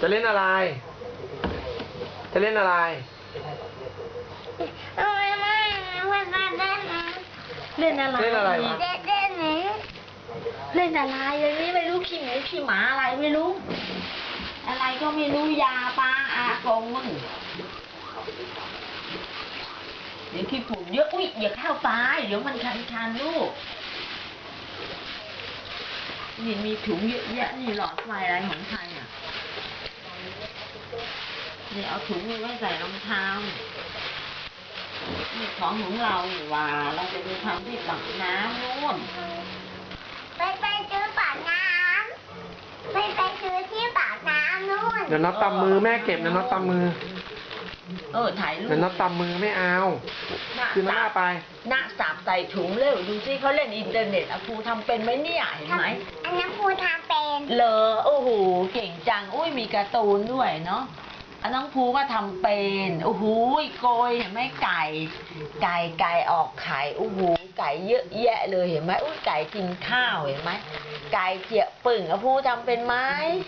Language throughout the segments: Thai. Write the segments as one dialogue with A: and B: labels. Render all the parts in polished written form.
A: จะเล่นอะไรจะเล่นอะไร
B: เล่นอะไร
A: เล่นอะไรวะ
B: เล่นอะไรอย่างนี้ไม่รู้ขี้หมูขี้หมาอะไรไม่รู้อะไรก็ไม่รู้ยาปลาอากงมึงเดี๋ยวขี้ฝุ่นเยอะอุ้ยอย่าเข้าไปเดี๋ยวมันคันลูกนี่มีถุงเยอะแยะนี่หลอดไฟอะไรของใครอ่ะนี่เอาถุงไว้ใส่รองเท้านี่ของเราอยู่ว่าเราจะไปทำที่ปากน้ำนู่น
C: ไปซื้อปากน้ำไปซื้อที่ปากน้ำนู่น
A: เดี๋ยวน็อตตำมือแม่เก็บนะน็อตตำมือ
B: ถ่ายรูป
A: เดี๋ยวน็อตตำมือไม่เอาคือหน้าไป
B: หน้าสับใส่ถุงเร็วดูสิเขาเล่นอินเทอร์เน็ตอะครูทำเป็นไหมเนี่ยเห็นไหม
C: อันนั้นครูทำเป็น
B: เลอโอ้โหเก่งจังอุ้ยมีการ์ตูนด้วยเนาะอันน้องภูก็ทำเป็นโอ้โหโกยเห็นไหมไก่ออกไข่โอ้โหไก่เยอะแยะเลยเห็นไหมอุ้ยไก่กินข้าวเห็นไหมไก่เจียปึ่งอะภูทำเป็นไหม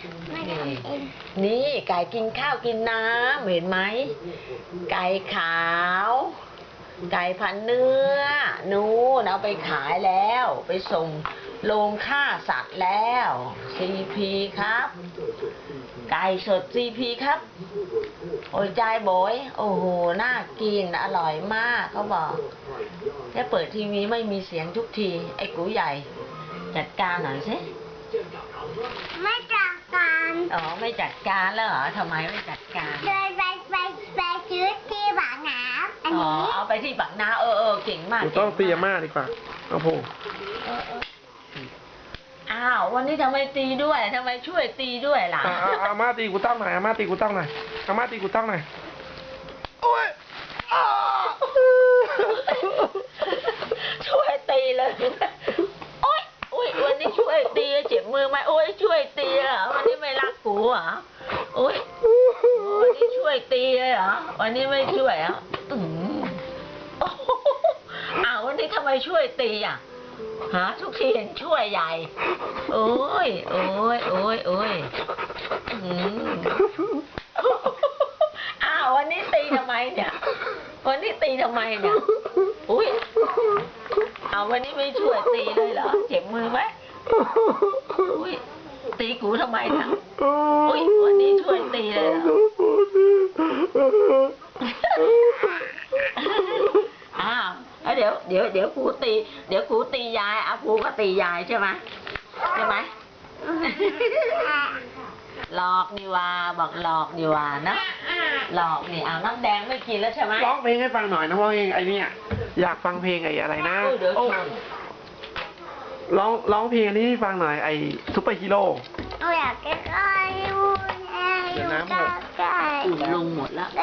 B: นี่ไก่กินข้าวกินน้ำเห็นไหมไก่ขาวไก่พันเนื้อนู่นเอาไปขายแล้วไปส่งโรงฆ่าสัตว์แล้ว CP ครับไก่สด CP ครับโอ้ยใจโบยโอ้โหน่ากินอร่อยมากเขาบอกแค่เปิดทีวีไม่มีเสียงทุกทีไอ้กูใหญ่จัดการหน่อยสิ
C: ไม่จัดการ
B: อ๋อไม่จัดการแล้วเหรอทำไมไม่จัดการ
C: เลยไปซื้อที่ปากน้ำอันนี้
B: เอาไปที่ปากน้ำเก่งมาก
A: ต้องตีอาม่าดีกว่าเอาพง
B: อ้าววันนี้ทำไมตีด้วยทำไมช่วยตีด้วยล่ะ
A: อาม่าตีกูตั้งหน่อยอาม่าตีกูตั้งหน่อยอาม่าตีกูตั้งหน่อยโอ้ย
B: ช่วยตีเลยโอ๊ยวันนี้ช่วยตีเจ็บมือไหมโอ๊ยช่วยตีเหรอวันนี้ไม่รักกูเหรอโอ๊ยวันนี้ช่วยตีเลยเหรอวันนี้ไม่ช่วยอ่ะวันนี้ทำไมช่วยตีอ่ะหาทุกทีเห็นช่วยใหญ่โอ้ยวันนี้ตีทำไมเนี่ยวันนี้ตีทำไมเนี่ยอุ้ยวันนี้ไม่ช่วยตีเลยเหรอเจ็บมือไหมอุ้ยตีกูทำไมเนี่ยอุ้ยวันนี้ช่วยตีเลยเหรอเดี๋ยวครูตีเดี๋ยวครูตียายครูก็ตียายใช่ไหมหลอกดีว่าบอกหลอกดีว่านะหลอกนี่น้ำแดงไม่กินแล้วใช่ไหม
A: ร้องเพลงให้ฟังหน่อยนะเพราะเพลงไอ้นี่อยากฟังเพลงไอ้อะไรนะร้องเพลงอันนี้ให้ฟังหน่อยไอ้ซุปเปอร์ฮีโร่
C: อยากจะใกล้
A: เดี๋ยวน้ำหมด
B: อุ่นลงหมดแล้ว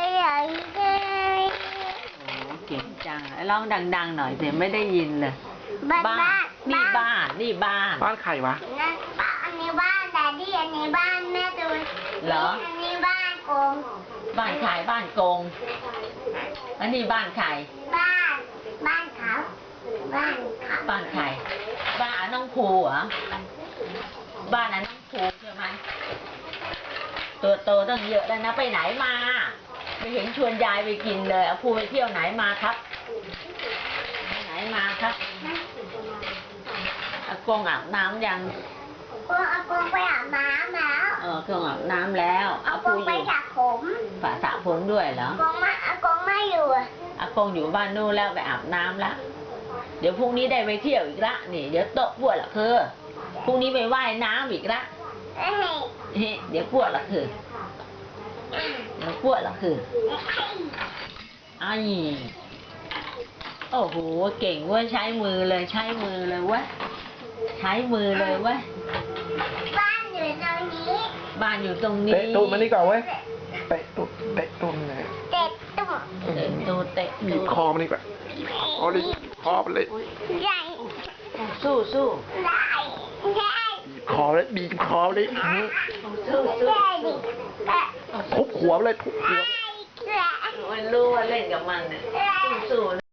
B: เก่งจังร้องดังๆหน่อยแต่ไม่ได้ยินเลยบ้านนี่บ้าน
A: ใครวะ
C: อันนี้บ้านแต่ที่อันนี้บ้านแม่ตูน
B: เหรอ
C: อันนี้บ้านกง
B: บ้านใครบ้านกงอันนี้บ้านใคร
C: บ้านเขา
B: บ้านใครบ้านน้องภูเหรอบ้านน้องภูใช่ไหมตัวโตตั้งเยอะแล้วนะไปไหนมาไม่เห็นชวนยายไปกินเลยภูไปเที่ยวไหนมาครับไหนมาครับอากงอาบน้ำยัง
C: อากงไปอาบน้ำแล้ว
B: อากงอาบน้ำแล้ว
C: อากงไปสระผม
B: สระผมด้วยเหรอ
C: อากงไม่อยู่
B: อากงอยู่บ้านนู่นแล้วไปอาบน้ำแล้วเดี๋ยวพรุ่งนี้ได้ไปเที่ยวอีกละนี่เดี๋ยวโต๊ะปวดละคือพรุ่งนี้ไปว่ายน้ำอีกละเดี๋ยวปวดละคือโอ้โหเก่งเว้ยใช้มือเลยเว้ยเว้ย
C: บ้านอยู่ตรงนี้
B: เตะ
A: ตูดมันนี่ก่อนเว้ยเตะตูดไงเตะตูดบีบคอมันนี่ก่อนเอาดิคอมันเลย
C: ใหญ่
B: สู้
A: บีบคอเลยทุบหัวเลย
B: มันรู้ว่าเล่นกับมันเนี่ยสู้